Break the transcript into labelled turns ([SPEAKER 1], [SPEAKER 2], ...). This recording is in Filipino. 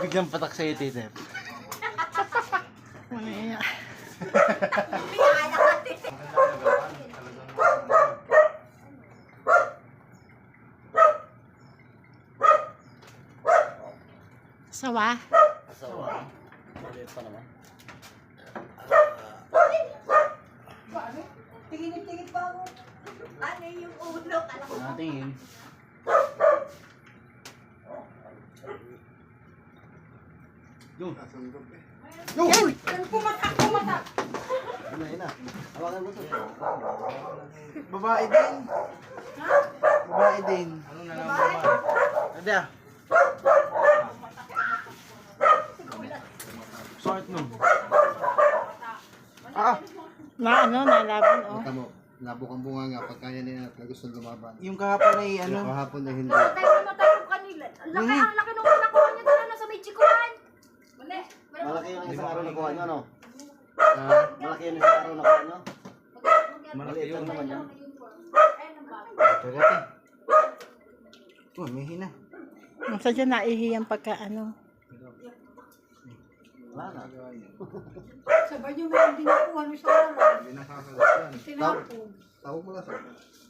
[SPEAKER 1] Huwag niyang patak sa'yo, tite.
[SPEAKER 2] Ano yan? Sawa?
[SPEAKER 1] Asawa. Maliit pa naman.
[SPEAKER 3] Tingin-tingin pa ako. Ano yung ulo?
[SPEAKER 1] Natingin. Yung.
[SPEAKER 2] Yung!
[SPEAKER 3] Pumatak, pumatak.
[SPEAKER 1] Yun na. Hawakan mo to.
[SPEAKER 4] Babae din. Babae din.
[SPEAKER 1] Ano na lang naman? Hindi ah. Short nun.
[SPEAKER 2] Na ano, nalaban, oh.
[SPEAKER 4] Kita mo, nabok ang bunga nga pagka yan na gusto lumaban.
[SPEAKER 5] Yung kahapon ay
[SPEAKER 4] Yung
[SPEAKER 5] ano,
[SPEAKER 4] kahapon na hindi.
[SPEAKER 3] Namatay ko kanila. Ang laki nung nakuha niyo doon sa may chikuhan.
[SPEAKER 1] Malaki yung isang araw na kuha nyo, ano?
[SPEAKER 4] Ah,
[SPEAKER 1] Malaki yung isang araw na kuha nyo? Maliit lang naman yan.
[SPEAKER 5] kagati. Oh, may hina.
[SPEAKER 2] Nasa dyan naihiyang pagka ano.
[SPEAKER 1] Wala na.
[SPEAKER 3] Sabay niyo meron din nakuha nung sa araw.
[SPEAKER 4] hindi nakakalas yan.
[SPEAKER 3] Tinapon.
[SPEAKER 4] Tawag mo lang sa